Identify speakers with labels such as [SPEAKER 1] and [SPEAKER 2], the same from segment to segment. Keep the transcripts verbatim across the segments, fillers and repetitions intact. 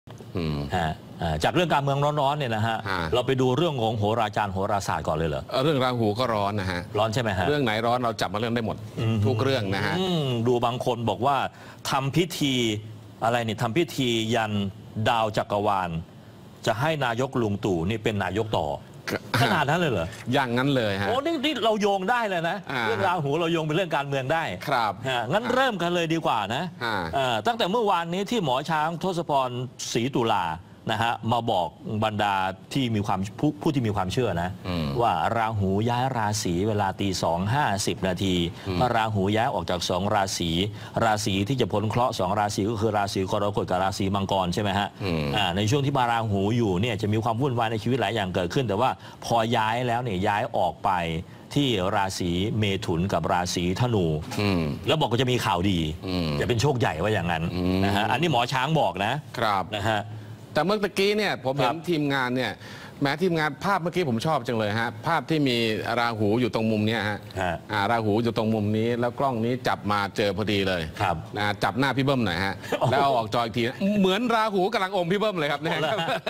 [SPEAKER 1] จากเรื่องการเมืองร้อนๆเนี่ยนะฮะเราไปดูเรื่องของโหราจารย์โหราศาสตร์ก่อนเลยเหรอ
[SPEAKER 2] เรื่องราหูก็ร้อนนะฮะ
[SPEAKER 1] ร้อนใช่ไหมฮะ
[SPEAKER 2] เรื่องไหนร้อนเราจับมาเรื่องได้หมดทุกเรื่องนะฮะ
[SPEAKER 1] ดูบางคนบอกว่าทำพิธีอะไรนี่ทำพิธียันดาวจักรวาลจะให้นายกลุงตู่นี่เป็นนายกต่อขนาดนั้นเลยเหรอ
[SPEAKER 2] อย่างนั้นเลยฮะ
[SPEAKER 1] โอ้นี่นี่เราโยงได้เลยนะเรื่องราหูเราโยงเป็นเรื่องการเมืองได้
[SPEAKER 2] ครับ
[SPEAKER 1] งั้นเริ่มกันเลยดีกว่านะตั้งแต่เมื่อวานนี้ที่หมอช้างทศพรศรีตุลานะฮะมาบอกบรรดาที่มีความผู้ผู้ที่มีความเชื่อนะว่าราหูย้ายราศีเวลาตีสองห้าสิบนาทีพระราหูย้ายออกจากสองราศีราศีที่จะพ้นเคราะห์สองราศีก็คือราศีกรกฎกับราศีมังกรใช่ไหมฮะในช่วงที่มาราหูอยู่เนี่ยจะมีความวุ่นวายในชีวิตหลายอย่างเกิดขึ้นแต่ว่าพอย้ายแล้วเนี่ยย้ายออกไปที่ราศีเมถุนกับราศีธนูแล้วบอกว่าจะมีข่าวดีจะเป็นโชคใหญ่ว่าอย่างนั้นนะฮะอันนี้หมอช้างบอกนะครับนะฮะ
[SPEAKER 2] แต่เมื่อกี้เนี่ยผมเห็นทีมงานเนี่ยแม้ทีมงานภาพเมื่อกี้ผมชอบจังเลยฮะภาพที่มีราหูอยู่ตรงมุมนี้ฮะราหูอยู่ตรงมุมนี้แล้วกล้องนี้จับมาเจอพอดีเลย
[SPEAKER 1] ครับ
[SPEAKER 2] นะจับหน้าพี่เบิ้มหน่อยฮะแล้วเอาออกจออีกทีเหมือนราหูกำลังอมพี่เบิ้มเลยครับเนี่ย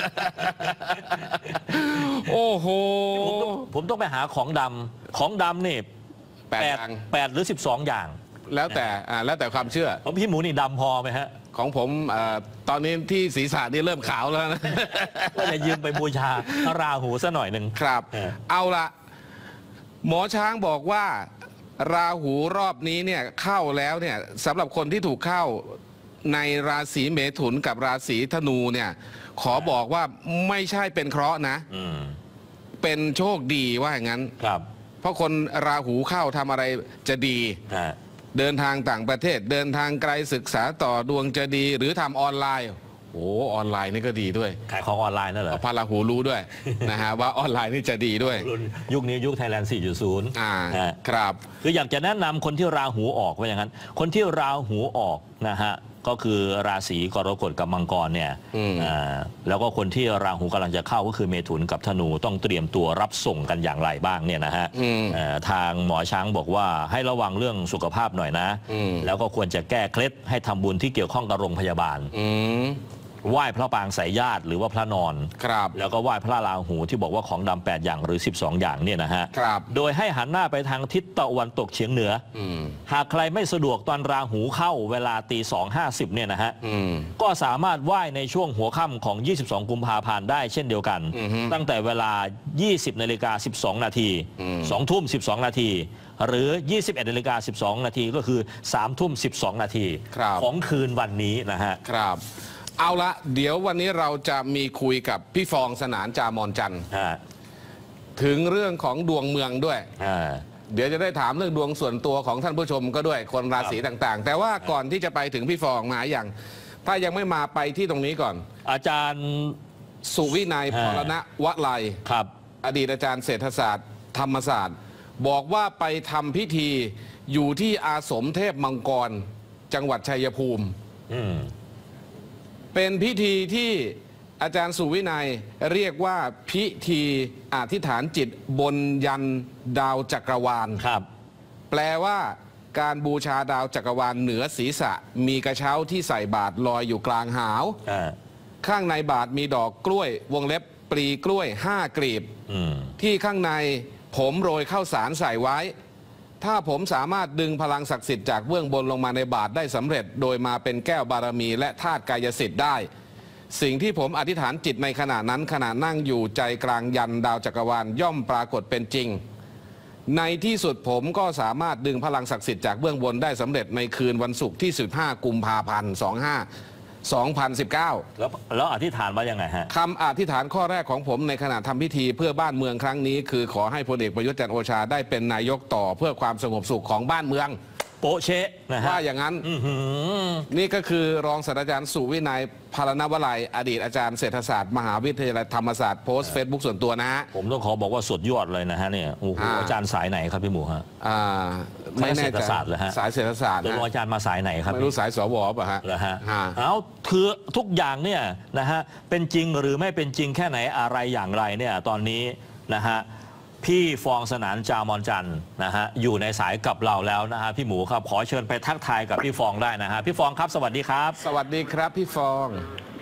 [SPEAKER 2] โอ้โห
[SPEAKER 1] ผมต้องไปหาของดำของดำนี่แปดแปดหรือสิบสองอย่าง
[SPEAKER 2] แล้วแต่แล้วแต่ความเชื่อ
[SPEAKER 1] ของพี่หมูนี่ดำพอไหมฮะ
[SPEAKER 2] ของผมตอนนี้ที่ศีรษะนี่เริ่มขาวแล้วนะ
[SPEAKER 1] ก็จะยืมไปบูชาพระราหูซะหน่อยหนึ่ง
[SPEAKER 2] ครับเอาละหมอช้างบอกว่าราหูรอบนี้เนี่ยเข้าแล้วเนี่ยสำหรับคนที่ถูกเข้าในราศีเมถุนกับราศีธนูเนี่ยขอบอกว่าไม่ใช่เป็นเคราะห์นะเป็นโชคดีว่าอย่างนั้น
[SPEAKER 1] ครับ
[SPEAKER 2] เพราะคนราหูเข้าทำอะไรจะดีเดินทางต่างประเทศเดินทางไกลศึกษาต่อดวงจะดีหรือทำออนไลน์โอ้ออนไลน์นี่ก็ดีด้วย
[SPEAKER 1] ขายของออนไลน์นั่นเหรอ
[SPEAKER 2] พระราหูรู้ด้วยนะฮะว่าออนไลน์นี่จะดีด้วย
[SPEAKER 1] ยุคนี้ยุคไทยแลนด์ สี่จุดศูนย์
[SPEAKER 2] อ่าครับ
[SPEAKER 1] คืออยากจะแนะนำคนที่ราหูออกว่าอย่างนั้นคนที่ราหูออกนะฮะก็คือราศีกรกฎกับมังกรเนี่ยแล้วก็คนที่ราหูกำลังจะเข้าก็คือเมถุนกับธนูต้องเตรียมตัวรับส่งกันอย่างไรบ้างเนี่ยนะฮะทางหมอช้างบอกว่าให้ระวังเรื่องสุขภาพหน่อยนะแล้วก็ควรจะแก้เคล็ดให้ทำบุญที่เกี่ยวข้องกับโรงพยาบาลไหว้พระปางสายญาติหรือว่าพระนอน
[SPEAKER 2] ครับ
[SPEAKER 1] แล้วก็ไหว้พระราหูที่บอกว่าของดำแปดอย่างหรือสิบสองอย่างเนี่ยนะฮะโดยให้หันหน้าไปทางทิศตะวันตกเฉียงเหนือหากใครไม่สะดวกตอนราหูเข้าเวลาตีสองห้าสิบเนี่ยนะฮะก็สามารถไหว้ในช่วงหัวค่ำของยี่สิบสองกุมภาพันธ์ได้เช่นเดียวกันตั้งแต่เวลายี่สิบนาฬิกาสิบสองนาทีสองทุ่มสิบสองนาทีหรือยี่สิบเอ็ดนาฬิกาสิบสองนาทีก็คือสามทุ่มสิบสองนาทีของคืนวันนี้นะฮะ
[SPEAKER 2] ครับเอาละเดี๋ยววันนี้เราจะมีคุยกับพี่ฟองสนานจามอนจันทร์ถึงเรื่องของดวงเมืองด้วยเดี๋ยวจะได้ถามเรื่องดวงส่วนตัวของท่านผู้ชมก็ด้วยคนราศีต่างๆแต่ว่าก่อนที่จะไปถึงพี่ฟองมาอย่างถ้ายังไม่มาไปที่ตรงนี้ก่อน
[SPEAKER 1] อาจารย์
[SPEAKER 2] สุวินัยพรณวลัย
[SPEAKER 1] ครับ
[SPEAKER 2] อดีตอาจารย์เศรษฐศาสตร์ธรรมศาสตร์บอกว่าไปทำพิธีอยู่ที่อาสมเทพมังกรจังหวัดชัยภูมิเป็นพิธีที่อาจารย์สุวินัยเรียกว่าพิธีอธิษฐานจิตบนยันดาวจักรวาล
[SPEAKER 1] ครับ
[SPEAKER 2] แปลว่าการบูชาดาวจักรวาลเหนือศีรษะมีกระเช้าที่ใส่บาตรลอยอยู่กลางหาวข้างในบาตรมีดอกกล้วยวงเล็บปลีกล้วยห้ากลีบที่ข้างในผมโรยข้าวสารใส่ไว้ถ้าผมสามารถดึงพลังศักดิ์สิทธิ์จากเบื้องบนลงมาในบาตรได้สำเร็จโดยมาเป็นแก้วบารมีและธาตุกายสิทธิ์ได้สิ่งที่ผมอธิษฐานจิตในขณะนั้นขณะนั่งอยู่ใจกลางยันดาวจักรวาลย่อมปรากฏเป็นจริงในที่สุดผมก็สามารถดึงพลังศักดิ์สิทธิ์จากเบื้องบนได้สำเร็จในคืนวันศุกร์ที่สิบห้ากุมภาพันธ์สองห้า สองพันสิบเก้า
[SPEAKER 1] แล้วแล้วอธิษฐานว่ายังไงฮะ
[SPEAKER 2] คำอธิษฐานข้อแรกของผมในขณะทำพิธีเพื่อบ้านเมืองครั้งนี้คือขอให้พลเอกประยุทธ์จันทร์โอชาได้เป็นนายกต่อเพื่อความสงบสุขของบ้านเมือง
[SPEAKER 1] โปเชะนะฮะ
[SPEAKER 2] ว่าอย่างนั้นนี่ก็คือรองศาสตราจารย์สุวินัยพรณวลัยอดีตอาจารย์เศรษฐศาสตร์มหาวิทยาลัยธรรมศาสตร์โพสต์เฟซบุ๊กส่วนตัวนะฮะ
[SPEAKER 1] ผมต้องขอบอกว่าสุดยอดเลยนะฮะเนี่ยโอ้โหอาจารย์สายไหนครับพี่หมูฮะ
[SPEAKER 2] ไม่แน่ใจสายเศรษฐศาสตร์
[SPEAKER 1] แล้วอาจารย์มาสายไหนครับ
[SPEAKER 2] ไม่รู้สายสวป่ะฮะ
[SPEAKER 1] เหรอฮะเอาคือทุกอย่างเนี่ยนะฮะเป็นจริงหรือไม่เป็นจริงแค่ไหนอะไรอย่างไรเนี่ยตอนนี้นะฮะพี่ฟองสนานจามอนจันทร์นะฮะอยู่ในสายกับเราแล้วนะฮะพี่หมูครับขอเชิญไปทักทายกับพี่ฟองได้นะฮะพี่ฟองครับสวัสดีครับ
[SPEAKER 2] สวัสดีครับพี่ฟอง
[SPEAKER 3] ค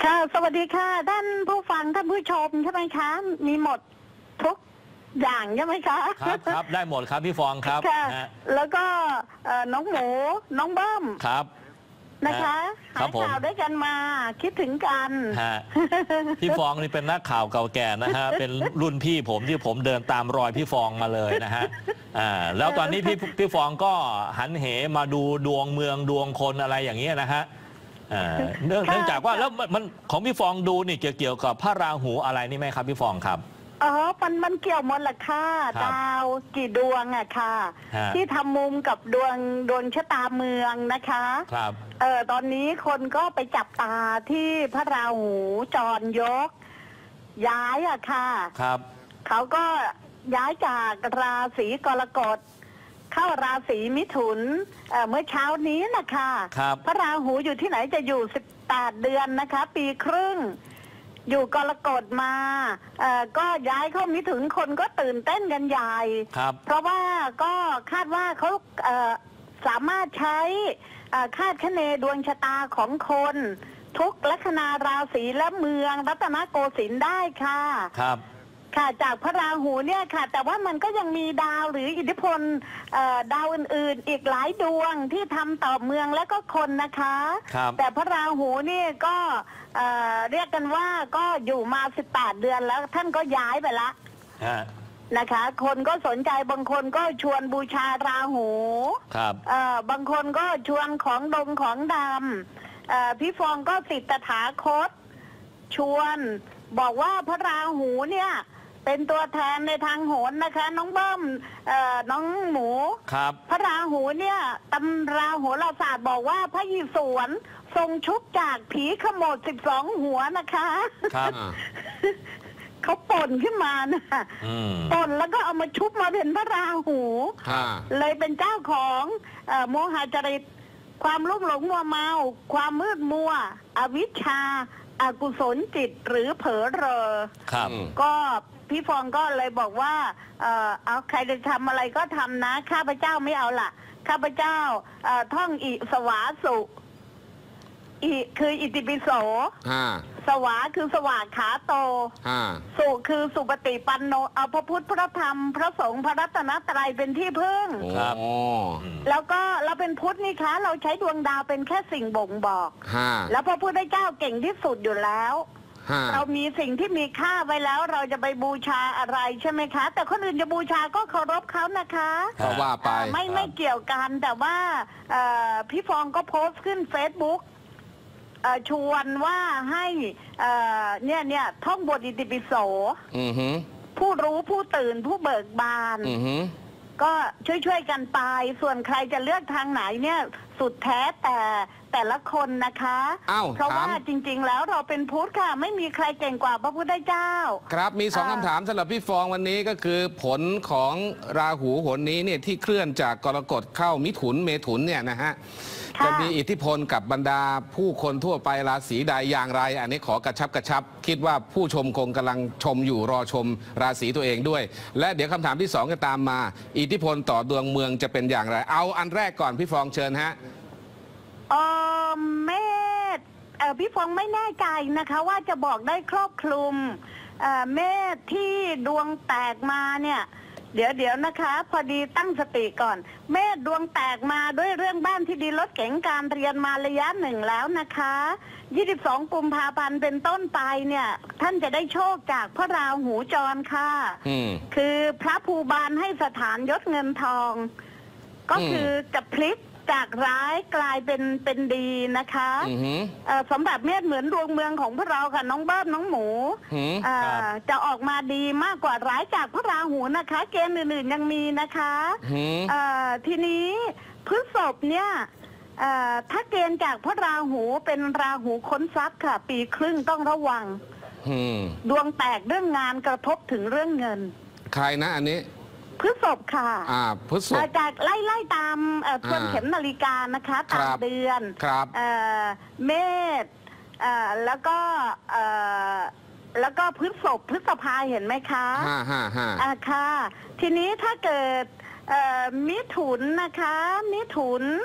[SPEAKER 3] ค่ะสวัสดีค่ะท่านผู้ฟังท่านผู้ชมใช่ไหมคะมีหมดทุกอย่างใช่ไหมคะ
[SPEAKER 1] ครับครับได้หมดครับพี่ฟองครับ
[SPEAKER 3] ค่ะ
[SPEAKER 1] ฮะ
[SPEAKER 3] แล้วก็เอ่อน้องหมูน้องเบิ้ม
[SPEAKER 1] ครับ
[SPEAKER 3] นะคะ
[SPEAKER 1] ครั
[SPEAKER 3] หา
[SPEAKER 1] บ
[SPEAKER 3] ย
[SPEAKER 1] ผม
[SPEAKER 3] ข่าวด้วยกันมาคิดถึงกัน
[SPEAKER 1] ฮะพี่ฟองนี่เป็นนักข่าวเก่าแก่นะฮะเป็นรุ่นพี่ผมที่ผมเดินตามรอยพี่ฟองมาเลยนะฮะอ่าแล้วตอนนี้พี่พี่ฟองก็หันเหมาดูดวงเมืองดวงคนอะไรอย่างเงี้ยนะฮะอ่าเนื่อง
[SPEAKER 3] ค่ะ
[SPEAKER 1] เนื่องจากว่าแล้วมันมันของพี่ฟองดูนี่เกี่ยวเกี่ยวกับพระราหูอะไรนี่ไหมครับพี่ฟองครับ
[SPEAKER 3] อ๋อมันมันเกี่ยวหมดแหละค่ะ
[SPEAKER 1] ครับ
[SPEAKER 3] ดาวกี่ดวงอะค่ะ
[SPEAKER 1] ฮะ
[SPEAKER 3] ที่ทำมุมกับดวงดวงชะตาเมืองนะคะ
[SPEAKER 1] ครับ
[SPEAKER 3] เออตอนนี้คนก็ไปจับตาที่พระราหูจรยก ย้ายอะค่ะ
[SPEAKER 1] ครับ
[SPEAKER 3] เขาก็ย้ายจากราศีกรกฎเข้าราศีมิถุนเอ่อเมื่อเช้านี้นะคะ
[SPEAKER 1] ครับ
[SPEAKER 3] พระราหูอยู่ที่ไหนจะอยู่สิบแปดเดือนนะคะ ปีครึ่ง อยู่กรกฎมาเอ่อก็ย้ายเข้ามิถุนคนก็ตื่นเต้นกันใหญ่
[SPEAKER 1] ครับ
[SPEAKER 3] เพราะว่าก็คาดว่าเขาเอ่อสามารถใช้เอ่อคาดคะเนดวงชะตาของคน ทุกลัคนาราศีและเมืองรัตนโกสินทร์ได้ค่ะ
[SPEAKER 1] ครับ
[SPEAKER 3] ค่ะจากพระราหูเนี่ยค่ะ แต่ว่ามันก็ยังมีดาวหรืออิทธิพลเอ่อดาวอื่นๆ อีกหลายดวงที่ทำต่อเมืองและก็คนนะคะ
[SPEAKER 1] ครับ
[SPEAKER 3] แต่พระราหูนี่ก็เอ่อเรียกกันว่าก็อยู่มาสิบแปดเดือนแล้วท่านก็ย้ายไปละ
[SPEAKER 1] ฮะ
[SPEAKER 3] นะคะ คนก็สนใจบางคนก็ชวนบูชาราหู
[SPEAKER 1] ครับ
[SPEAKER 3] เอ่อบางคนก็ชวนของดงของดำเอ่อพี่ฟองก็ติดตถาคต ชวนบอกว่าพระราหูเนี่ยเป็นตัวแทนในทางโหรนะคะ น้องเบิ้มเอ่อน้องหมู
[SPEAKER 1] ครับ
[SPEAKER 3] พระราหูเนี่ยตำราโหราศาสตร์บอกว่าพระยิสวนทรงชุบจากผีขโมดสิบสองหัวนะคะ
[SPEAKER 1] ครับ
[SPEAKER 2] อ่า
[SPEAKER 3] เขาป่นขึ้นมานะ
[SPEAKER 1] อืม
[SPEAKER 3] ป่นแล้วก็เอามาชุบมาเป็นพระราหู
[SPEAKER 2] อ่า
[SPEAKER 3] เลยเป็นเจ้าของเอ่อโมหะจริต ความลุ่มหลงมัวเมา ความมืดมัว อวิชชาอากุศลจิตหรือเผลอเรอ
[SPEAKER 1] ครับ
[SPEAKER 2] อืม
[SPEAKER 3] ก็พี่ฟองก็เลยบอกว่าเอ่อเอาใครจะทำอะไรก็ทำนะ ข้าพเจ้าไม่เอาล่ะ ข้าพเจ้าเอ่อท่องอิสวาสุอิคืออิติปิโส
[SPEAKER 2] อ่า
[SPEAKER 3] สวาคือสวากขาโต
[SPEAKER 2] อ่า
[SPEAKER 3] สุคือสุปฏิปันโนเอาพระพุทธพระธรรม พระสงฆ์พระรัตนตรัยเป็นที่พึ่ง
[SPEAKER 1] ครับ
[SPEAKER 2] โอ้
[SPEAKER 3] แล้วก็เราเป็นพุทธนี่คะ เราใช้ดวงดาวเป็นแค่สิ่งบ่งบอก
[SPEAKER 2] ห้า
[SPEAKER 3] แล้วพระพุทธเจ้าเก่งที่สุดอยู่แล้ว
[SPEAKER 2] ห้า
[SPEAKER 3] เรามีสิ่งที่มีค่าไว้แล้วเราจะไปบูชาอะไรใช่ไหมคะ แต่คนอื่นจะบูชาก็เคารพเขานะคะ
[SPEAKER 2] ก็ว่าไป
[SPEAKER 3] อ่าไม่ไม่เกี่ยวกันแต่ว่าเอ่อพี่ฟองก็โพสต์ขึ้นเฟซบุ๊กชวนว่าให้เอ่อเนี่ยเนี่ยท่องบทอิติปิโส
[SPEAKER 2] อือหือ
[SPEAKER 3] ผู้รู้ผู้ตื่นผู้เบิกบาน
[SPEAKER 2] อือหือ
[SPEAKER 3] ก็ช่วยๆกันไป ส่วนใครจะเลือกทางไหนเนี่ยสุดแท้แต่แต่ละคนนะคะ
[SPEAKER 2] อ้าว
[SPEAKER 3] เพราะ
[SPEAKER 2] ถาม
[SPEAKER 3] ว่าจริง ๆ แล้วเราเป็นพุทธค่ะ ไม่มีใครเก่งกว่าพระพุทธเจ้า
[SPEAKER 2] ครับมีสอง
[SPEAKER 3] อ่า
[SPEAKER 2] คำถามสำหรับพี่ฟองวันนี้ก็คือผลของราหูหนนี้เนี่ยที่เคลื่อนจากกรกฎเข้ามิถุนเมถุนเนี่ยนะฮะ
[SPEAKER 3] ค่ะ
[SPEAKER 2] จะมีอิทธิพลกับบรรดาผู้คนทั่วไปราศีใดอย่างไร อันนี้ขอกระชับกระชับ คิดว่าผู้ชมคงกำลังชมอยู่รอชมราศีตัวเองด้วย และเดี๋ยวคำถามที่สองจะตามมา อิทธิพลต่อดวงเมืองจะเป็นอย่างไร เอาอันแรกก่อนพี่ฟองเชิญฮะ
[SPEAKER 3] เออเมษเออพี่ฟองไม่แน่ใจนะคะ ว่าจะบอกได้ครอบคลุมเอ่อเมษที่ดวงแตกมาเนี่ย เดี๋ยวเดี๋ยวนะคะ พอดีตั้งสติก่อน เมษดวงแตกมาด้วยเรื่องบ้านที่ดีรถเก๋งการเรียนมาระยะหนึ่งแล้วนะคะยี่สิบสองกุมภาพันธ์เป็นต้นไปเนี่ย ท่านจะได้โชคจากพระราหูจรค่ะ
[SPEAKER 2] อืม
[SPEAKER 3] คือพระภูบาลให้สถานยศเงินทอง ก็
[SPEAKER 2] อืม
[SPEAKER 3] คือจะพลิกจากร้ายกลายเป็นเป็นดีนะคะ
[SPEAKER 2] อือหือ
[SPEAKER 3] เอ่อสำหรับเมษเหมือนดวงเมืองของพวกเราค่ะน้องเบิ้มน้องหมู
[SPEAKER 2] หืม
[SPEAKER 3] เอ่อ
[SPEAKER 1] ครับ
[SPEAKER 3] จะออกมาดีมากกว่าร้ายจากพระราหูนะคะ เกณฑ์อื่นๆยังมีนะคะ
[SPEAKER 2] หืม
[SPEAKER 3] เอ่อทีนี้พฤษภเนี่ยเอ่อถ้าเกณฑ์จากพระราหูเป็นราหูค้นทรัพย์ค่ะ ปีครึ่งต้องระวัง
[SPEAKER 2] หืม
[SPEAKER 3] ดวงแตกเรื่องงานกระทบถึงเรื่องเงิน
[SPEAKER 2] ใครนะอันนี้
[SPEAKER 3] พฤษภค่ะ
[SPEAKER 2] อ่าพฤษ
[SPEAKER 3] เอ่
[SPEAKER 2] ภ
[SPEAKER 3] อจากไล่ไล่ตามเอ่อทวน
[SPEAKER 2] อ่า
[SPEAKER 3] เข็มนาฬิกานะคะ
[SPEAKER 2] ครั
[SPEAKER 3] ตาม
[SPEAKER 2] บ
[SPEAKER 3] เดือน
[SPEAKER 2] ครับ
[SPEAKER 3] เอ่อเมษเอ่อแล้วก็เอ่อแล้วก็พฤษภพฤษภาเห็นไหมคะ
[SPEAKER 2] ห้าห้าห้า
[SPEAKER 3] อ่าค่ะ ทีนี้ถ้าเกิดเอ่อมิถุนนะคะ มิถุน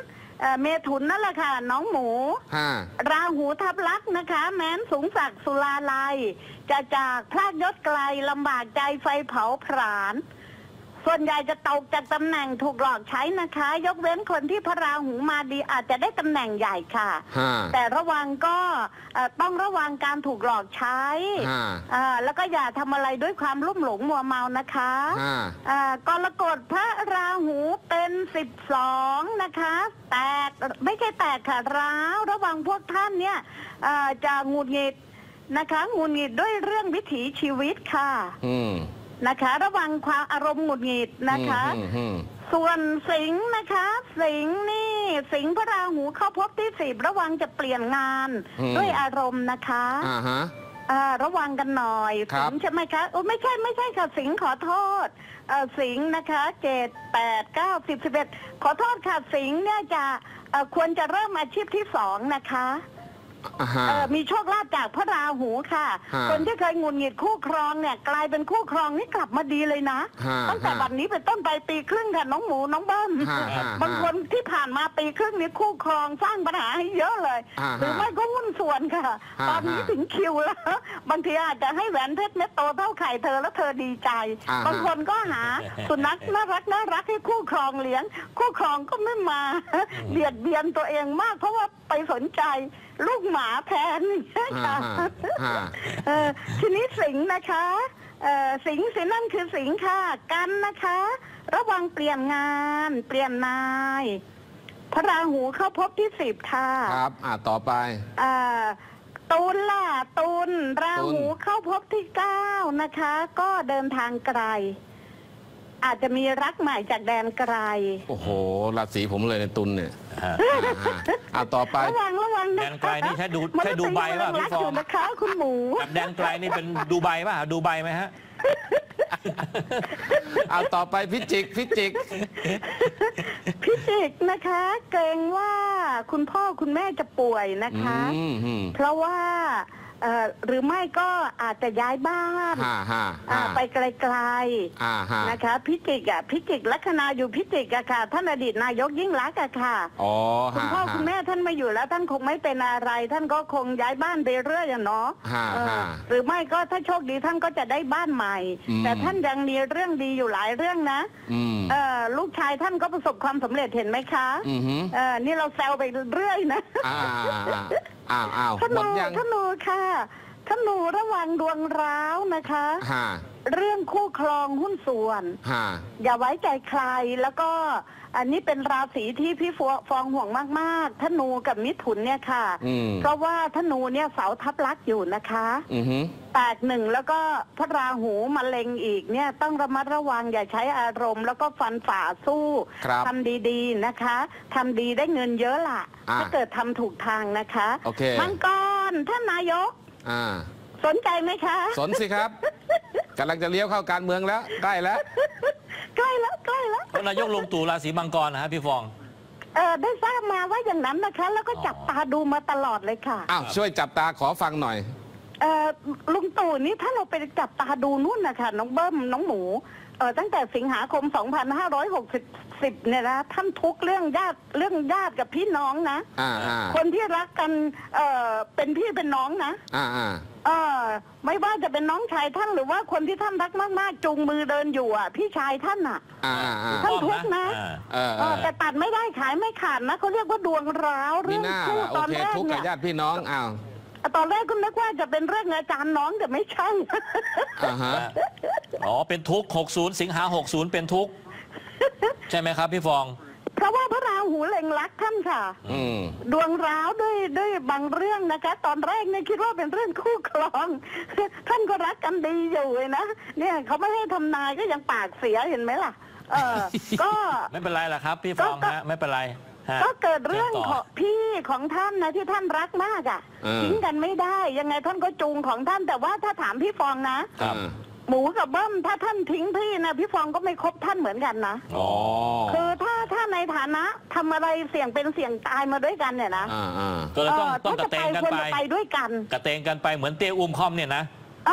[SPEAKER 3] เอ่อเมถุนนั่นแหละค่ะน้องหมู
[SPEAKER 2] ฮะ
[SPEAKER 3] ราหูทับลักษณ์นะคะ แม้นสูงศักดิ์สุราลัยจะจากพลาดยศไกลลำบากใจไฟเผาผลาญส่วนใหญ่จะตกจากตำแหน่งถูกหลอกใช้นะคะ ยกเว้นคนที่พระราหูมาดีอาจจะได้ตำแหน่งใหญ่ค่ะ
[SPEAKER 2] ฮะ
[SPEAKER 3] แต่ระวังก็เอ่อต้องระวังการถูกหลอกใช้
[SPEAKER 2] ฮะ
[SPEAKER 3] เอ่อแล้วก็อย่าทำอะไรด้วยความลุ่มหลงมัวเมานะคะ
[SPEAKER 2] ฮะ
[SPEAKER 3] เอ่อกรกฎพระราหูเป็นสิบสองนะคะ แตกไม่ใช่แตกค่ะร้าวระวังพวกท่านเนี่ยเอ่อจะหงุดหงิดนะคะหงุดหงิดด้วยเรื่องวิถีชีวิตค่ะ
[SPEAKER 2] อืม
[SPEAKER 3] นะคะ ระวังความอารมณ์หงุดหงิดนะคะ
[SPEAKER 2] อืมอืม
[SPEAKER 3] ส่วนสิงห์นะคะ สิงห์นี่สิงห์พระราหูเข้าพบที่สิบระวังจะเปลี่ยนงานด้วยอารมณ์นะคะ
[SPEAKER 2] อ่าฮะ
[SPEAKER 3] อ่าระวังกันหน่อย
[SPEAKER 2] ครั
[SPEAKER 3] สิ
[SPEAKER 2] บ
[SPEAKER 3] งห์ใช่ไหมคะโอ้ไม่ใช่ไม่ใช่ค่ะสิงห์ขอโทษเอ่อสิงห์นะคะเจ็ดแปดเก้าสิบสิบเอ็ดขอโทษค่ะสิงห์เนี่ยจะเอ่อควรจะเริ่มอาชีพที่สองนะคะ
[SPEAKER 2] อ่าฮะ
[SPEAKER 3] เอ่อมีโชคลาภจากพระราหูค่ะ
[SPEAKER 2] ฮะ
[SPEAKER 3] คนที่เคยหงุดหงิดคู่ครองเนี่ยกลายเป็นคู่ครองนี่กลับมาดีเลยนะ
[SPEAKER 2] ฮะ
[SPEAKER 3] ตั้งแต่
[SPEAKER 2] ฮะ
[SPEAKER 3] บัดนี้เป็นต้นไปปีครึ่งค่ะน้องหมูน้องเบิ้ม
[SPEAKER 2] ฮะฮะ
[SPEAKER 3] บางคนที่ผ่านมาปีครึ่งนี้คู่ครองสร้างปัญหาให้เยอะเลย
[SPEAKER 2] ฮะ
[SPEAKER 3] หรือไม่ก็หุ้นส่วนค่ะ
[SPEAKER 2] ฮะ
[SPEAKER 3] ตอนนี้
[SPEAKER 2] ฮะ
[SPEAKER 3] ถึงคิวแล้ว บางทีอาจจะให้แหวนเพชรเม็ดโตเท่าไข่เธอแล้วเธอดีใจ
[SPEAKER 2] อ่าฮะ
[SPEAKER 3] บางคนก็หาสุนัขน่ารักน่ารักให้คู่ครองเลี้ยง คู่ครองก็ไม่มา เบียดเบียนตัวเองมาก เพราะว่าไปสนใจลูกหมาแทนอย่างเงี้ยค่ะ
[SPEAKER 2] อ่าฮะ
[SPEAKER 3] เอ่อทีนี้สิงห์นะคะเอ่อสิงห์สิงห์นั่นคือสิงห์ค่ะกันนะคะ ระวังเปลี่ยนงาน เปลี่ยนนาย พระราหูเข้าพบที่สิบค่ะ
[SPEAKER 2] ครับ อ่าต่อไป
[SPEAKER 3] เอ่อตุลล่ะตุลราหู
[SPEAKER 2] ตุล
[SPEAKER 3] เข้าพบที่เก้านะคะ ก็เดินทางไกล อาจจะมีรักใหม่จากแดนไกล
[SPEAKER 2] โอ้โหราศีผมเลยในตุลเนี่ย
[SPEAKER 1] ฮะ
[SPEAKER 2] อ่าฮะอ่าต่อไป
[SPEAKER 3] ระวังระวังนะ
[SPEAKER 1] แดนไกลนี่ใช่ดู
[SPEAKER 3] มัน
[SPEAKER 1] ใช่ดูใบป่ะ
[SPEAKER 3] เป็น
[SPEAKER 1] พี่
[SPEAKER 3] รัก
[SPEAKER 1] ฟอง
[SPEAKER 3] อยู่นะคะ คุณหมู
[SPEAKER 1] กับแดนไกลนี่เป็นดูใบป่ะดูใบไหมฮะ
[SPEAKER 2] เอาต่อไปพิจิกพิจิก
[SPEAKER 3] พิจิกนะคะ เกรงว่าคุณพ่อคุณแม่จะป่วยนะคะ
[SPEAKER 2] อืมอืม
[SPEAKER 3] เพราะว่าเอ่อหรือไม่ก็อาจจะย้ายบ้าน
[SPEAKER 2] ฮ่าฮ่า
[SPEAKER 3] อ่า
[SPEAKER 2] ฮ่า
[SPEAKER 3] ไปไกล
[SPEAKER 2] อ่าฮ่า
[SPEAKER 3] ๆนะคะ พิจิกอ่ะพิจิกลัคนาอยู่พิจิกอะค่ะ ท่านอดีตนายกยิ่งรักษณ์อะค่ะ
[SPEAKER 2] อ๋อ
[SPEAKER 3] คุณ
[SPEAKER 2] ฮ่า
[SPEAKER 3] พ่อ
[SPEAKER 2] ฮ่า
[SPEAKER 3] คุณแม่ท่านไม่อยู่แล้วท่านคงไม่เป็นอะไร ท่านก็คงย้ายบ้านไปเรื่อยอะเนาะ
[SPEAKER 2] ฮ่า
[SPEAKER 3] เออ
[SPEAKER 2] ฮ่า
[SPEAKER 3] หรือไม่ก็ถ้าโชคดีท่านก็จะได้บ้านใหม่
[SPEAKER 2] อืม
[SPEAKER 3] แต่ท่านยังมีเรื่องดีอยู่หลายเรื่องนะ
[SPEAKER 2] อืม
[SPEAKER 3] เออลูกชายท่านก็ประสบความสำเร็จเห็นไหมคะ
[SPEAKER 2] อือหือ
[SPEAKER 3] เออนี่เราแซวไปเรื่อยนะ
[SPEAKER 2] อ่าอ้าวอ้าว
[SPEAKER 3] ธ
[SPEAKER 2] หม
[SPEAKER 3] นู
[SPEAKER 2] ดยัง
[SPEAKER 3] ธนูค่ะธนูระวังดวงร้าวนะคะ
[SPEAKER 2] ฮ่า
[SPEAKER 3] เรื่องคู่ครองหุ้นส่วน
[SPEAKER 2] ฮ่า
[SPEAKER 3] อย่าไว้ใจใครแล้วก็อันนี้เป็นราศีที่พี่ฟองห่วงมากๆธนูกับมิถุนเนี่ยค่ะ
[SPEAKER 2] อืม
[SPEAKER 3] เพราะว่าธนูเนี่ยเสาทับลักษณ์อยู่นะคะ
[SPEAKER 2] อือหือ
[SPEAKER 3] แตกหนึ่งแล้วก็พระราหูมาเล็งอีกเนี่ยต้องระมัดระวังอย่าใช้อารมณ์ แล้วก็ฟันฝ่าสู้
[SPEAKER 2] ครับ
[SPEAKER 3] ทำดีๆนะคะทำดีได้เงินเยอะล่ะ
[SPEAKER 2] อ่า
[SPEAKER 3] ถ้าเกิดทำถูกทางนะคะ
[SPEAKER 2] โอเค
[SPEAKER 3] มังกรท่านนายก
[SPEAKER 2] อ่า
[SPEAKER 3] สนใจไหมคะ
[SPEAKER 2] สนสิครับกำลังจะเลี้ยวเข้าการเมืองแล้ว ใกล้แล้ว
[SPEAKER 3] ใกล้แล้วใกล้แล้ว
[SPEAKER 1] นายกลงตู่ราศีมังกรนะฮะพี่ฟอง
[SPEAKER 3] เออได้ทราบมาว่าอย่างนั้นนะคะ แล้วก็จับตาดูมาตลอดเลยค่ะ
[SPEAKER 2] อ้าวช่วยจับตาขอฟังหน่อย
[SPEAKER 3] เออลุงตู่นี่ถ้าเราไปจับตาดูนู่นนะคะน้องเบิ้มน้องหมูเออตั้งแต่สิงหาคม สองพันห้าร้อยหกสิบ เนี่ยนะท่านทุกข์เรื่องญาติเรื่องญาติกับพี่น้องนะ
[SPEAKER 2] อ่าอ่า
[SPEAKER 3] คนที่รักกันเออเป็นพี่เป็นน้องนะ
[SPEAKER 2] อ่าอ่า
[SPEAKER 3] เออไม่ว่าจะเป็นน้องชายท่านหรือว่าคนที่ท่านรักมากๆจูงมือเดินอยู่อ่ะ พี่ชายท่านอ่ะ
[SPEAKER 2] อ่าอ่า
[SPEAKER 3] ท่านทุกข์นะ
[SPEAKER 1] อ่า
[SPEAKER 2] เออ
[SPEAKER 3] เออแต่ตัดไม่ได้ขายไม่ขาดนะเขาเรียกว่าดวงร้าว
[SPEAKER 2] มี
[SPEAKER 3] เรื่อง
[SPEAKER 2] หน้า
[SPEAKER 3] คู่
[SPEAKER 2] ล่ะโอ
[SPEAKER 3] ตอน
[SPEAKER 2] เค
[SPEAKER 3] แรก
[SPEAKER 2] ทุกข์
[SPEAKER 3] เนี่
[SPEAKER 2] กับ
[SPEAKER 3] ย
[SPEAKER 2] ญาติพี่น้องอ้าว
[SPEAKER 3] ตอนแรกก็นึกว่าจะเป็นเรื่องอาจารย์น้องแต่ไม่ใช่
[SPEAKER 2] อ่าฮะ
[SPEAKER 1] อ๋อเป็นทุกข์หกสิบสิงหาหกสิบเป็นทุกข์ใช่ไหมครับพี่ฟอง
[SPEAKER 3] เพราะว่าพระราหูเล็งรักท่านค่ะ
[SPEAKER 2] อืม
[SPEAKER 3] ดวงร้าวด้วยด้วยบางเรื่องนะคะ ตอนแรกเนี่ยคิดว่าเป็นเรื่องคู่ครอง ท่านก็รักกันดีอยู่เลยนะเนี่ยเขาไม่ให้ทำนายก็ยังปากเสียเห็นไหมล่ะ เออ ก็
[SPEAKER 1] ไม่เป็นไรล่ะครับพี่ฟอง
[SPEAKER 3] ก็
[SPEAKER 1] ฮะไม่เป็นไรฮะ
[SPEAKER 3] ก็เกิดเรื่อง
[SPEAKER 1] ชิญ
[SPEAKER 3] ข
[SPEAKER 1] ต่
[SPEAKER 3] องพี่ของท่านนะที่ท่านรักมากอ่ะ
[SPEAKER 2] เออ
[SPEAKER 3] ทิ้งกันไม่ได้ ยังไงท่านก็จูงของท่านแต่ว่าถ้าถามพี่ฟองนะ
[SPEAKER 1] ครับ
[SPEAKER 3] หมูกับเบิ้มถ้าท่านทิ้งพี่นะพี่ฟองก็ไม่คบท่านเหมือนกันนะ
[SPEAKER 2] อ๋อ
[SPEAKER 3] คือถ้าถ้าในฐานะทำอะไรเสี่ยงเป็นเสี่ยงตายมาด้วยกันเนี่ยนะ
[SPEAKER 2] อ่าอ่า
[SPEAKER 1] ก็เลยต้อง
[SPEAKER 3] เออ
[SPEAKER 1] ต้องก
[SPEAKER 3] ถ้า
[SPEAKER 1] ระ
[SPEAKER 3] จะ
[SPEAKER 1] เต
[SPEAKER 3] ไป
[SPEAKER 1] งกัน
[SPEAKER 3] ควร
[SPEAKER 1] ไป
[SPEAKER 3] จะไปด้วยกัน
[SPEAKER 1] กระเตงกันไปเหมือนเตี้ยอุ้มคอมเนี่ยนะ
[SPEAKER 3] เออก็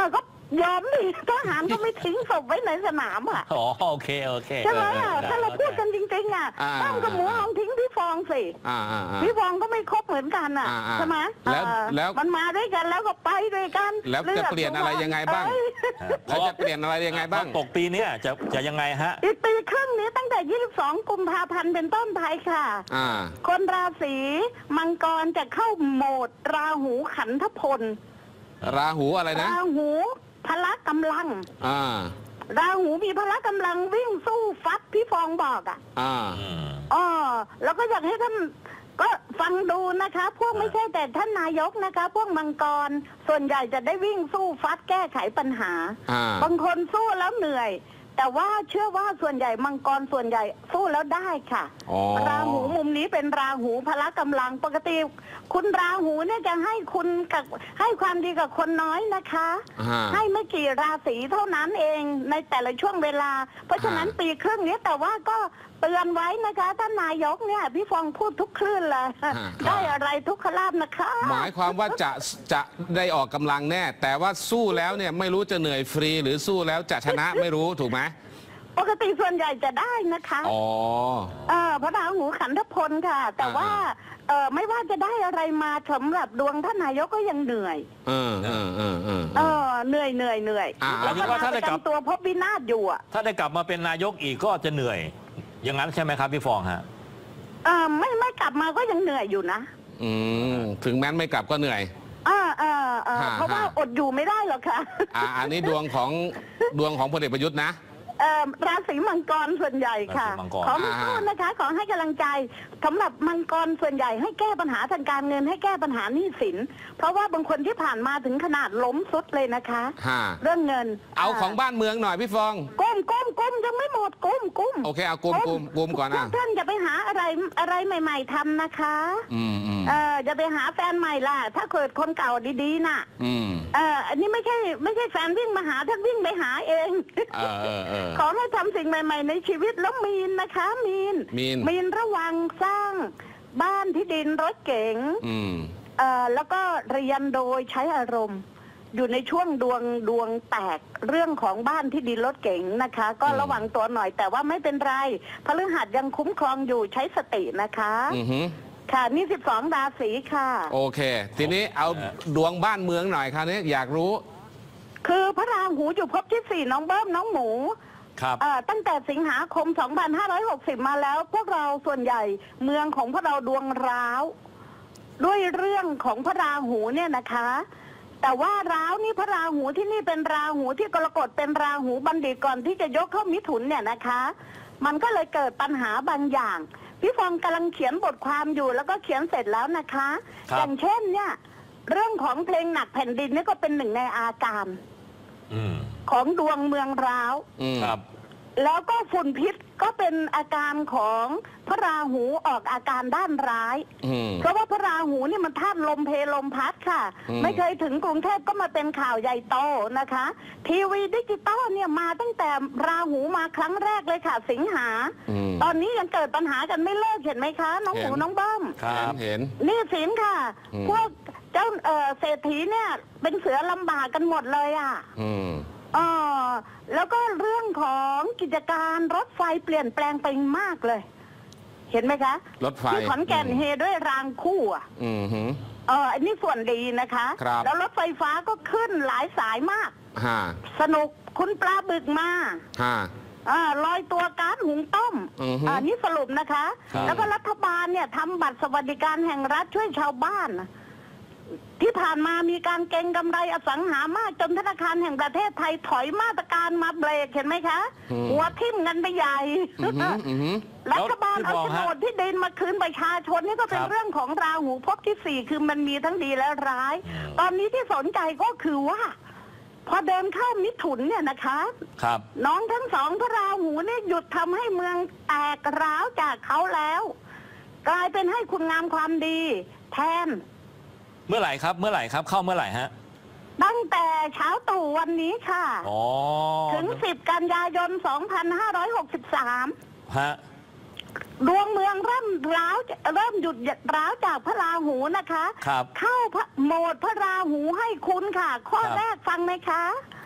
[SPEAKER 3] ยอมดิทหารก็ไม่ทิ้งศพไว้ในสนามอ่ะ
[SPEAKER 1] อ๋อโอเคโอเค
[SPEAKER 3] ใช่ไหมอ่ะ
[SPEAKER 1] ออ
[SPEAKER 3] ถ้าเราพูดกันจริงๆอ่ะ
[SPEAKER 2] อ่า
[SPEAKER 3] ตั้มกับหมูลองทิ้งพี่ฟองสิ
[SPEAKER 2] อ่าอ่าอ่า
[SPEAKER 3] พี่ฟองก็ไม่ครบเหมือนกันอ่ะ
[SPEAKER 2] อ่าอ่า
[SPEAKER 3] ใช่ไหม
[SPEAKER 2] แล้ว
[SPEAKER 3] เออ
[SPEAKER 2] แล้ว
[SPEAKER 3] มันมาด้วยกันแล้วก็ไปด้วยกัน
[SPEAKER 2] แล้วจะเปลี่ยนอะไรยังไงบ้าง
[SPEAKER 3] เอ้ย
[SPEAKER 2] แล้วจะเปลี่ยนอะไรยังไงบ้าง
[SPEAKER 1] ตกปีเนี้ยจะจะยังไงฮะ
[SPEAKER 3] อีกปีครึ่งนี้ตั้งแต่ ยี่สิบสอง กุมภาพันธ์เป็นต้นไปค่ะ
[SPEAKER 2] อ่า
[SPEAKER 3] คนราศีมังกรจะเข้าโหมดราหูขันธพล
[SPEAKER 2] ราหูอะไรนะ
[SPEAKER 3] ราหูพละกำลัง
[SPEAKER 2] อ่า
[SPEAKER 3] ราหูมีพละกำลังวิ่งสู้ฟัดพี่ฟองบอกอ่ะ
[SPEAKER 2] อ่า
[SPEAKER 3] อ๋อแล้วก็อยากให้ท่านก็ฟังดูนะคะ พวกไม่ใช่แต่ท่านนายกนะคะ พวกมังกรส่วนใหญ่จะได้วิ่งสู้ฟัดแก้ไขปัญหา
[SPEAKER 2] อ่า
[SPEAKER 3] บางคนสู้แล้วเหนื่อย แต่ว่าเชื่อว่าส่วนใหญ่มังกรส่วนใหญ่สู้แล้วได้ค่ะ
[SPEAKER 2] อ๋อ
[SPEAKER 3] ราหูมุมนี้เป็นราหูพละกำลังปกติ คุณราหูเนี่ยจะให้คุณกับให้ความดีกับคนน้อยนะคะ
[SPEAKER 2] อ่า
[SPEAKER 3] ให้ไม่กี่ราศีเท่านั้นเองในแต่ละช่วงเวลา เพราะฉะนั้น
[SPEAKER 2] อ่า
[SPEAKER 3] ปีครึ่งนี้แต่ว่าก็เตือนไว้นะคะท่านนายกเนี่ยพี่ฟองพูดทุกคลื่นเลยได้อะไรทุกขลาภนะคะ
[SPEAKER 2] หมายความว่าจะจะได้ออกกำลังแน่ แต่ว่าสู้แล้วเนี่ยไม่รู้จะเหนื่อยฟรี หรือสู้แล้วจะชนะไม่รู้ถูกไหม
[SPEAKER 3] ปกติส่วนใหญ่จะได้นะคะ
[SPEAKER 2] อ๋อ
[SPEAKER 3] เออพระราหูขันธพลค่ะ แต่ว่า
[SPEAKER 2] อ่า
[SPEAKER 3] เออไม่ว่าจะได้อะไรมาสำหรับดวงท่านนายกก็ยังเหนื่อย
[SPEAKER 2] เออเออเออเออ
[SPEAKER 3] เออเหนื่อยเหนื่อยเหนื่อย
[SPEAKER 2] อ่า
[SPEAKER 3] แล้วก็
[SPEAKER 1] หมายถึงว่า
[SPEAKER 3] ดาว
[SPEAKER 1] ถ้า
[SPEAKER 3] ป
[SPEAKER 1] ได้
[SPEAKER 3] ระ
[SPEAKER 1] กลับ
[SPEAKER 3] จำตัวพบวินาศอยู่อ่ะ
[SPEAKER 1] ถ้าได้กลับมาเป็นนายกอีกก็จะเหนื่อย อย่างนั้นใช่ไหมครับพี่ฟองฮะ
[SPEAKER 3] เออไม่ไม่กลับมาก็ยังเหนื่อยอยู่นะ
[SPEAKER 2] อืมถึงแม้นไม่กลับก็เหนื่อย
[SPEAKER 3] เออเออเออ
[SPEAKER 2] ฮะ
[SPEAKER 3] เพราะว่า
[SPEAKER 2] ฮะ
[SPEAKER 3] อดอยู่ไม่ได้หรอกค่ะ
[SPEAKER 2] อ่าอันนี้ดวงของดวงของพลเอกประยุทธ์นะ
[SPEAKER 3] เอ่อราศีมังกรส่วนใหญ่ค่ะ
[SPEAKER 1] ราศีมังกร
[SPEAKER 3] ขอไม่พูดนะคะ ขอให้กำลังใจสำหรับมังกรส่วนใหญ่ให้แก้ปัญหาทางการเงินให้แก้ปัญหาหนี้สิน เพราะว่าบางคนที่ผ่านมาถึงขนาดล้มสุดเลยนะคะ
[SPEAKER 2] ฮะ
[SPEAKER 3] เรื่องเงิน
[SPEAKER 2] เอาของบ้านเมืองหน่อยพี่ฟอง
[SPEAKER 3] ก้มก้มก้มยังไม่หมดก้มก้ม
[SPEAKER 2] โอเคเอากุมกุมกุมก่อน
[SPEAKER 3] พว
[SPEAKER 2] อ่ะ
[SPEAKER 3] กท่านอย่าไปหาอะไรอะไรใหม่ ๆทำนะคะ
[SPEAKER 2] อืมอืม
[SPEAKER 3] เอออย่าไปหาแฟนใหม่ล่ะ ถ้าเกิดคนเก่าดีๆน่ะ
[SPEAKER 2] อืม
[SPEAKER 3] เอออันนี้ไม่ใช่ไม่ใช่แฟนวิ่งมาหาท่านวิ่งไปหาเอง
[SPEAKER 2] เออเออเออ
[SPEAKER 3] ขอให้ทำสิ่งใหม่ ๆ ในชีวิตแล้วมีนนะคะ มีน
[SPEAKER 2] มีน
[SPEAKER 3] มีนระวังสร้างบ้านที่ดินรถเก๋ง
[SPEAKER 2] อืม
[SPEAKER 3] เอ่อแล้วก็เรียนโดยใช้อารมณ์ อยู่ในช่วงดวงดวงแตกเรื่องของบ้านที่ดินรถเก๋งนะคะ ก็
[SPEAKER 2] อืม
[SPEAKER 3] ระวังตัวหน่อยแต่ว่าไม่เป็นไรพฤหัสยังคุ้มครองอยู่ใช้สตินะคะ
[SPEAKER 2] อือหือ
[SPEAKER 3] ค่ะนี่สิบสองราศีค่ะ
[SPEAKER 2] โอเค ทีนี้เอาดวงบ้านเมืองหน่อยคราวนี้อยากรู้
[SPEAKER 3] คือพระราหูอยู่ภพที่สี่น้องเบิ้มน้องหมู
[SPEAKER 1] ครับ
[SPEAKER 3] เอ่อตั้งแต่สิงหาคม สองพันห้าร้อยหกสิบ มาแล้ว พวกเราส่วนใหญ่เมืองของพวกเราดวงร้าว ด้วยเรื่องของพระราหูเนี่ยนะคะ แต่ว่าร้าวนี่พระราหูที่นี่เป็นราหูที่กรกฎเป็นราหูบัณฑิตก่อนที่จะยกเข้ามิถุนเนี่ยนะคะ มันก็เลยเกิดปัญหาบางอย่าง พี่ฟองกำลังเขียนบทความอยู่แล้วก็เขียนเสร็จแล้วนะคะ
[SPEAKER 1] ครับ
[SPEAKER 3] อย่างเช่นเนี่ยเรื่องของเพลงหนักแผ่นดินนี่ก็เป็นหนึ่งในอาการ
[SPEAKER 1] อืม
[SPEAKER 3] ของดวงเมืองร้าว
[SPEAKER 2] อืม
[SPEAKER 1] ครับ
[SPEAKER 3] แล้วก็ฝุ่นพิษก็เป็นอาการของพระราหูออกอาการด้านร้าย
[SPEAKER 2] อืม
[SPEAKER 3] เพราะว่าพระราหูนี่มันธาตุลมเพลมพัดค่ะ
[SPEAKER 2] อืม
[SPEAKER 3] ไม่เคยถึงกรุงเทพก็มาเป็นข่าวใหญ่โตนะคะ ทีวีดิจิตอลเนี่ยมาตั้งแต่ราหูมาครั้งแรกเลยค่ะ สิงหา
[SPEAKER 2] อืม
[SPEAKER 3] ตอนนี้ยังเกิดปัญหากันไม่เลิกเห็นไหมคะ น้องหมู
[SPEAKER 2] เห็น
[SPEAKER 3] น้องเบ้ม
[SPEAKER 1] ครับ
[SPEAKER 2] เห็น
[SPEAKER 3] นี่สินค่ะ
[SPEAKER 2] อืม
[SPEAKER 3] พวกเจ้าเอ่อเศรษฐีเนี่ยเป็นเสือลำบากกันหมดเลยอ่ะ
[SPEAKER 2] อืม
[SPEAKER 3] อ๋อแล้วก็เรื่องของกิจการรถไฟเปลี่ยนแปลงไปมากเลย เห็นไหมคะ
[SPEAKER 2] รถไฟ
[SPEAKER 3] ที่ขอนแก่น
[SPEAKER 2] อืม
[SPEAKER 3] เฮด้วยรางคู่อ่ะ
[SPEAKER 2] อืมหือ
[SPEAKER 3] เอออันนี้ส่วนดีนะคะ
[SPEAKER 2] ครับ
[SPEAKER 3] แล้วรถไฟฟ้าก็ขึ้นหลายสายมาก
[SPEAKER 2] ฮะ
[SPEAKER 3] สนุกคุณปลาบึกมา
[SPEAKER 2] ฮะ
[SPEAKER 3] อ่าลอยตัวก๊าซหุงต้ม
[SPEAKER 2] อือฮึ
[SPEAKER 3] อ่านี่สรุปนะคะ
[SPEAKER 1] ครับ
[SPEAKER 3] แล้วก็รัฐบาลเนี่ยทำบัตรสวัสดิการแห่งรัฐช่วยชาวบ้าน ที่ผ่านมามีการเก็งกำไรอสังหามากจนธนาคารแห่งประเทศไทยถอยมาตรการมาเบรกเห็นไหมคะ
[SPEAKER 2] อืม
[SPEAKER 3] หัวทิ่มกันไปใหญ่
[SPEAKER 2] อือหืออือหือ
[SPEAKER 3] รัฐบาล
[SPEAKER 1] แล้ว
[SPEAKER 3] เอา
[SPEAKER 1] พี่
[SPEAKER 3] โฉ
[SPEAKER 1] บ
[SPEAKER 3] น
[SPEAKER 1] อก
[SPEAKER 3] ด
[SPEAKER 1] ฮะ
[SPEAKER 3] ที่ดินมาคืนประชาชนนี่ก็เป็น
[SPEAKER 1] ครับ
[SPEAKER 3] เรื่องของราหูภพที่สี่คือมันมีทั้งดีและร้าย
[SPEAKER 1] อืม
[SPEAKER 3] ตอนนี้ที่สนใจก็คือว่า พอเดินเข้ามิถุนเนี่ยนะคะ
[SPEAKER 1] ครับ
[SPEAKER 3] น้องทั้งสองพระราหูเนี่ยหยุดทำให้เมืองแตกร้าวจากเขาแล้ว กลายเป็นให้คุณงามความดี แทน
[SPEAKER 1] เมื่อไหร่ครับ เมื่อไหร่ครับ เข้าเมื่อไหร่ฮะ
[SPEAKER 3] ตั้งแต่เช้าตรู่วันนี้ค่ะ
[SPEAKER 1] อ๋อ
[SPEAKER 3] ถึงสิบกันยายนสองพันห้าร้อยหกสิบสาม
[SPEAKER 1] ฮะ
[SPEAKER 3] ดวงเมืองเริ่มร้าวเริ่มหยุดร้าวจากพระราหูนะคะ
[SPEAKER 1] ครับ
[SPEAKER 3] เข้าพระโหมดพระราหูให้คุณค่ะ ข้อ
[SPEAKER 1] ครับ
[SPEAKER 3] แรกฟังไหมคะ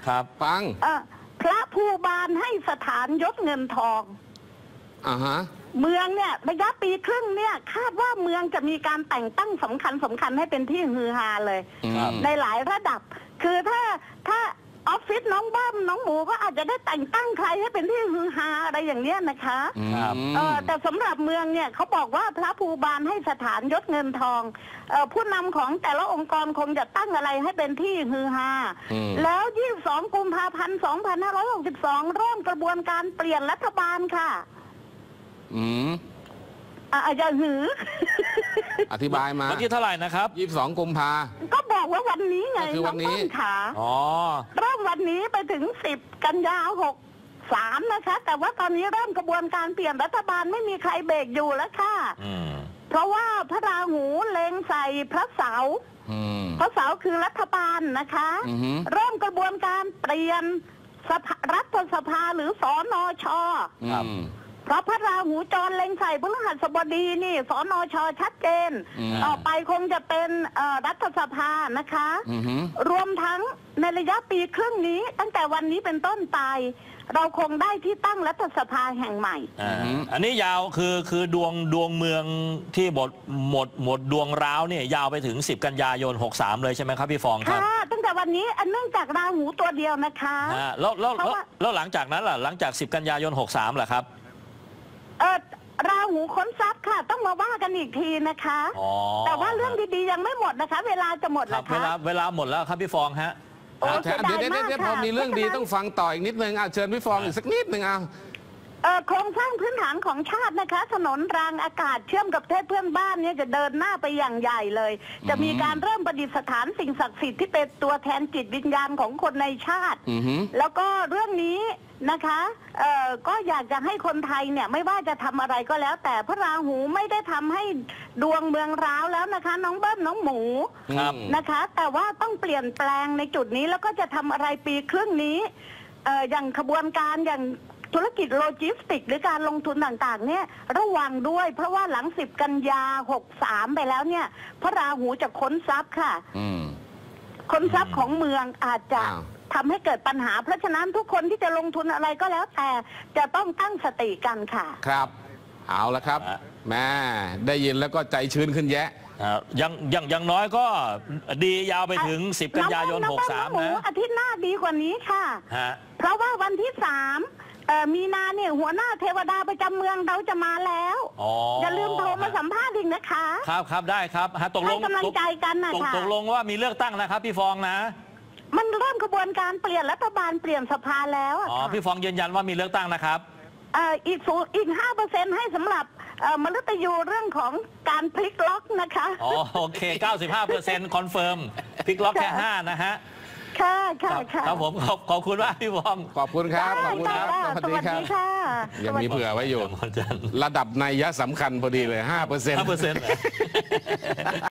[SPEAKER 1] ครับ
[SPEAKER 2] ฟัง
[SPEAKER 3] เอ่อพระภูบาลให้สถานยศเงินทอง
[SPEAKER 2] อ่าฮะ
[SPEAKER 3] เมืองเนี่ยระยะปีครึ่งเนี่ยคาดว่าเมืองจะมีการแต่งตั้งสำคัญสำคัญให้เป็นที่ฮือฮาเลย
[SPEAKER 1] ครับ
[SPEAKER 3] ในหลายระดับ คือถ้าถ้าออฟฟิศน้องบ้ามน้องหมูก็อาจจะได้แต่งตั้งใครให้เป็นที่ฮือฮาอะไรอย่างเนี้ยนะคะ
[SPEAKER 1] ครับ
[SPEAKER 3] เออแต่สำหรับเมืองเนี่ยเขาบอกว่าพระภูบาลให้สถานยศเงินทองเออผู้นำของแต่ละองค์กรคงจะตั้งอะไรให้เป็นที่ฮือฮา
[SPEAKER 2] อืม
[SPEAKER 3] แล้ว ยี่สิบสอง กุมภาพันธ์ สองพันห้าร้อยหกสิบสอง เริ่มกระบวนการเปลี่ยนรัฐบาลค่ะ
[SPEAKER 2] อืม
[SPEAKER 3] อ่ะอาจจะหือ
[SPEAKER 2] อธิบายมา
[SPEAKER 1] วันที่เท่าไหร่นะครับ
[SPEAKER 2] ยี่สิบสองกุมภา
[SPEAKER 3] ก็บอกว่าวันนี้ไง
[SPEAKER 2] ก็คือวันนี้
[SPEAKER 3] องต้ขา
[SPEAKER 1] อ๋อ
[SPEAKER 3] เริ่มวันนี้ไปถึง สิบ กันยาหกสามนะคะ แต่ว่าตอนนี้เริ่มกระบวนการเปลี่ยนรัฐบาลไม่มีใครเบรกอยู่แล้วค่ะ
[SPEAKER 1] อืม
[SPEAKER 3] เพราะว่าพระราหูเล็งใส่พระเสาร์
[SPEAKER 2] อืม
[SPEAKER 3] พระเสาร์คือรัฐบาลนะคะ
[SPEAKER 2] อือฮึ
[SPEAKER 3] เริ่มกระบวนการเปลี่ยนสภารัฐสภาหรือสนช
[SPEAKER 1] ครับ
[SPEAKER 2] อืม
[SPEAKER 3] เพราะพระราหูจรเล็งใส่พฤหัสบดีนี่สนชชัดเจน
[SPEAKER 2] อืม
[SPEAKER 3] ต่อไปคงจะเป็นเอ่อรัฐสภานะคะ
[SPEAKER 2] อือฮึ
[SPEAKER 3] รวมทั้งในระยะปีครึ่งนี้ ตั้งแต่วันนี้เป็นต้นไป เราคงได้ที่ตั้งรัฐสภาแห่งใหม่
[SPEAKER 1] อ่าอันนี้ยาวคือคือดวงดวงเมืองที่หมดหมดหมดดวงร้าวเนี่ยยาวไปถึง สิบ กันยายน หกสาม เลยใช่ไหมครับพี่ฟองครับ
[SPEAKER 3] ค่ะ ตั้งแต่วันนี้อันเนื่องจากราหูตัวเดียวนะคะ
[SPEAKER 1] อ่าแล้วแล้ว
[SPEAKER 3] เพราะว่า
[SPEAKER 1] แล้วหลังจากนั้นล่ะหลังจาก สิบ กันยายน หกสามล่ะครับ
[SPEAKER 3] เออราหูค้นทรัพย์ค่ะ ต้องมาว่ากันอีกทีนะคะ
[SPEAKER 1] อ๋อ
[SPEAKER 3] แต่ว่าเรื่องดีๆยังไม่หมดนะคะ เวลาจะหมด
[SPEAKER 1] ครั
[SPEAKER 3] แล้
[SPEAKER 1] บ
[SPEAKER 3] ว
[SPEAKER 1] เวลา
[SPEAKER 3] คะ
[SPEAKER 1] เวลาหมดแล้วครับพี่ฟองฮะ
[SPEAKER 3] โอ้
[SPEAKER 2] เอา
[SPEAKER 3] เสียดาย
[SPEAKER 2] เดี๋ยวเดี๋ยว
[SPEAKER 3] มาก
[SPEAKER 2] เดี๋ยวพอ
[SPEAKER 3] ค่ะ
[SPEAKER 2] มีเรื่องดีต้องฟังต่ออีกนิดนึงเอาเชิญพี่ฟองอีกสักนิดนึงเอา
[SPEAKER 3] เอ่อโครงสร้างพื้นฐานของชาตินะคะ ถนนรางอากาศเชื่อมกับประเทศเพื่อนบ้านเนี่ยจะเดินหน้าไปอย่างใหญ่เลย จะมีการเริ่มประดิษฐานสิ่งศักดิ์สิทธิ์ที่เป็นตัวแทนจิตวิญญาณของคนในชาติ
[SPEAKER 2] อือฮึ
[SPEAKER 3] แล้วก็เรื่องนี้นะคะเอ่อก็อยากจะให้คนไทยเนี่ยไม่ว่าจะทำอะไรก็แล้ว แต่พระราหูไม่ได้ทำให้ดวงเมืองร้าวแล้วนะคะ น้องเบิ้มน้องหมู
[SPEAKER 1] ครับ
[SPEAKER 3] นะคะ แต่ว่าต้องเปลี่ยนแปลงในจุดนี้แล้วก็จะทำอะไรปีครึ่งนี้เอ่ออย่างขบวนการอย่างธุรกิจโลจิสติกหรือการลงทุนต่างๆเนี่ยระวังด้วย เพราะว่าหลังสิบกันยาหกสามไปแล้วเนี่ยพระราหูจะค้นทรัพย์ค่ะ
[SPEAKER 2] อืม
[SPEAKER 3] ค้นทรัพย์ของเมืองอาจจะ
[SPEAKER 2] อ้าว
[SPEAKER 3] ทำให้เกิดปัญหา เพราะฉะนั้นทุกคนที่จะลงทุนอะไรก็แล้วแต่จะต้องตั้งสติกันค่ะ
[SPEAKER 2] ครับ เอาละครับ
[SPEAKER 1] อ่ะ
[SPEAKER 2] แม่ได้ยินแล้วก็ใจชื้นขึ้นแยะ
[SPEAKER 1] อ่ายังยังยังน้อยก็ดียาวไปถึง สิบ กันยายน
[SPEAKER 3] น้อง
[SPEAKER 1] ห
[SPEAKER 3] บ้
[SPEAKER 1] ก
[SPEAKER 3] น้
[SPEAKER 1] สา
[SPEAKER 3] อ
[SPEAKER 1] ม
[SPEAKER 3] งหมู
[SPEAKER 1] นะ
[SPEAKER 3] อาทิตย์หน้าดีกว่านี้ค่ะ
[SPEAKER 1] ฮะ
[SPEAKER 3] เพราะว่าวันที่สามเอ่อมีนาเนี่ยหัวหน้าเทวดาประจำเมืองเราจะมาแล้ว
[SPEAKER 1] อ๋อ
[SPEAKER 3] อย่าลืมโทรมาสัมภาษณ์อีกนะคะ
[SPEAKER 1] ครับครับได้ครับฮะตกล
[SPEAKER 3] ให้
[SPEAKER 1] ง
[SPEAKER 3] กำลังใจกันนะ
[SPEAKER 1] ตก
[SPEAKER 3] คะ
[SPEAKER 1] ตกลงว่ามีเลือกตั้งนะครับพี่ฟองนะ
[SPEAKER 3] มันเริ่มกระบวนการเปลี่ยนรัฐบาลเปลี่ยนสภาแล้วอะ
[SPEAKER 1] อ๋อ
[SPEAKER 3] ค่ะ
[SPEAKER 1] พี่ฟองยืนยันว่ามีเลือกตั้งนะครับ
[SPEAKER 3] เอ่ออีกศูนย์อีกห้าเปอร์เซ็นต์ให้สำหรับเอ่อมฤตยูเรื่องของการพลิกล็อกนะคะ
[SPEAKER 1] อ๋อโอเค เก้าสิบห้าเปอร์เซ็นต์ คอนเฟิร์มพลิกล็อกแค่ห้านะฮะ
[SPEAKER 3] ค่ะค่ะ
[SPEAKER 1] ครับ
[SPEAKER 3] ค่ะ
[SPEAKER 1] ครับผมขอบขอบคุณมากพี่ฟอง
[SPEAKER 2] ขอบคุณครับ ขอบคุณครับ
[SPEAKER 3] ได้
[SPEAKER 2] สวัส
[SPEAKER 3] ได้
[SPEAKER 2] ดี
[SPEAKER 3] ส
[SPEAKER 2] ครับ
[SPEAKER 3] วัสดีค่ะ
[SPEAKER 2] ยังมีเผื่อไว้อยู่
[SPEAKER 1] วันจันทร์
[SPEAKER 2] ระดับนัยยะสำคัญพอดีเลยห้าเปอร์เซ็นต์
[SPEAKER 1] ห้าเปอร์เซ็นต์